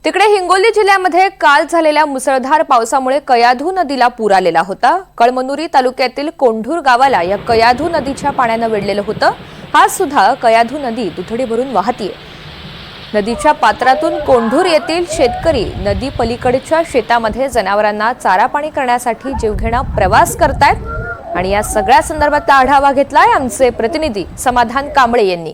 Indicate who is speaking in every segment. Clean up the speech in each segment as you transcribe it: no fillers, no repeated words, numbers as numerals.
Speaker 1: तिकडे हिंगोली जिल्ह्यामध्ये काल झालेल्या मुसळधार पावसामुळे कयाधू नदीला पूर आलेला होता। कळमनुरी तालुक्यातील कोंढूर गावाला या कयाधू नदीच्या पाण्याने वेढलेलं होतं। आज सुद्धा कयाधू नदी दुथडी भरून वाहतीये। नदीच्या पात्रातून कोंढूर येथील शेतकरी नदी पलीकडच्या शेतामध्ये जनावरांना चारा पाणी करण्यासाठी जीवघेणा प्रवास करतायत आणि या सगळ्या संदर्भातला आढावा घेतलाय आमचे प्रतिनिधी समाधान कांबळे यांनी।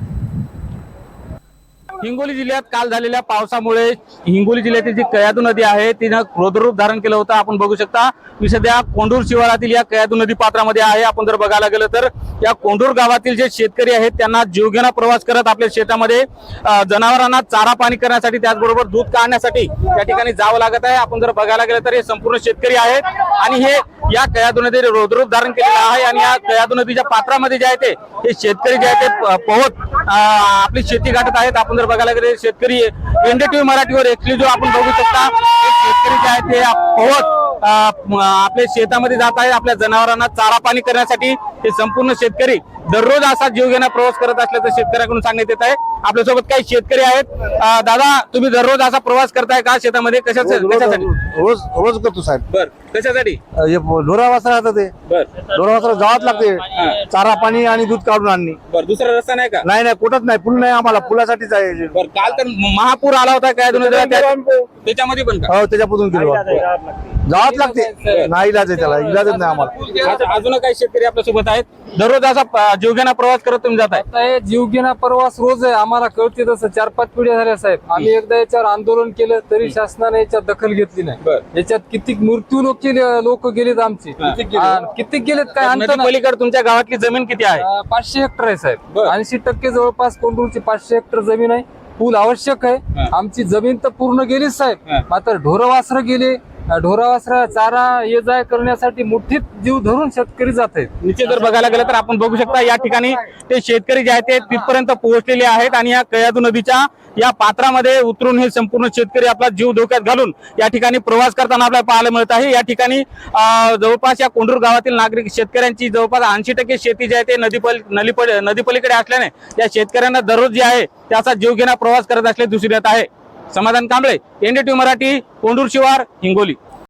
Speaker 2: हिंगोली जिल्ह्यात काल झालेल्या पावसामुळे हिंगोली जिल्ह्यातील जी कयाधू नदी आहे तिने रौद्ररूप धारण केलं होतं। आपण बघू शकता मी सध्या कोंढूर शिवारातील या कयाधू नदी पात्रामध्ये आहे। आपण जर बघायला गेलं तर या कोंढूर गावातील जे शेतकरी आहेत त्यांना जीवघेणा प्रवास करत आपल्या शेतामध्ये जनावरांना चारा पाणी करण्यासाठी त्याचबरोबर दूध काढण्यासाठी त्या ठिकाणी जावं लागत आहे। आपण जर बघायला गेलं तर हे संपूर्ण शेतकरी आहेत आणि हे या कयाधू नदीने रौद्ररूप धारण केलेलं आहे आणि या कयाधू नदीच्या पात्रामध्ये जे आहे ते हे शेतकरी जे आहे ते पोहत आपली शेती गाठत आहेत। आपण जर बघायला गेले शेतकरी एनडीटीव्ही मराठीवर एक्सक्लुझिव्ह आपण बघू शकता शेतकरी जे आहे ते पोहत आपल्या शेतामध्ये जात आहे आपल्या जनावरांना चारा पाणी करण्यासाठी। हे संपूर्ण शेतकरी दररोज असा जीवघेणा प्रवास करत असल्याचं शेतकऱ्यांकडून सांगण्यात येत आहे। आपल्यासोबत काही शेतकरी आहेत। दादा तुम्ही दररोज असा प्रवास करताय का शेतामध्ये? कशासाठी?
Speaker 3: रोज करतो साहेब।
Speaker 2: बर कशासाठी?
Speaker 3: ढोरा वासरा राहतात ते
Speaker 2: बर
Speaker 3: ढोरा वासरा गावात लागते चारा पाणी आणि दूध काढून आणणे।
Speaker 2: बर दुसरा रस्ता नाही का?
Speaker 3: नाही कुठंच नाही, पूल नाही आम्हाला, पुलासाठीच आहे।
Speaker 2: बर काल तर महापूर आला होता काय त्याच्यामध्ये पण का?
Speaker 3: हो त्याच्यापासून गेलो गावात लागते, नाही इलाज आहे, त्याला इलाजच नाही आम्हाला।
Speaker 2: अजून काही शेतकरी आपल्या सोबत आहेत दररोज असा जीवघेणा प्रवास करत तुम्ही जाताय?
Speaker 4: आता हे जीवघेणा प्रवास रोज आहे, आम्हाला कळते तसं 4-5 पिढ्या झाल्या साहेब। आम्ही एकदा याच्यावर आंदोलन केलं तरी शासनाने याच्यात दखल घेतली नाही। याच्यात किती मृत्यू लोक गेलेत आमचे, किती गेलेत काय अंत नाही।
Speaker 2: पलीकडे तुमच्या गावातली जमीन किती आहे?
Speaker 4: 500 हेक्टर आहे साहेब। 80% जवळपास कोंढूरची 500 हेक्टर जमीन आहे। पूल आवश्यक आहे। आमची जमीन तर पूर्ण गेलीच साहेब, मात्र ढोरवासर गेले। ढोरावासरा चारा ये जाय करण्यासाठी मुठीत जीव धरून शेतकरी जात आहेत।
Speaker 2: निश्चित जर बघायला गेलं तर आपण बघू शकता या ठिकाणी ते शेतकरी जे आहेत ते तिथपर्यंत पोहोचलेले आहेत आणि या कयाधू नदीच्या या पात्रामध्ये उतरून हे संपूर्ण शेतकरी आपला जीव धोक्यात घालून या ठिकाणी प्रवास करताना आपल्याला पाहायला मिळत आहे। या ठिकाणी जवळपास या कोंढूर गावातील नागरिक शेतकऱ्यांची जवळपास 80% शेती जी आहे ते नदी पलीकडे असल्याने या शेतकऱ्यांना दररोज जे आहे त्याचा जीवघेणा प्रवास करत असले दिसून येत आहे। समाधान कांबळे, एनडीटीव्ही मराठी, कोंढूर शिवार, हिंगोली।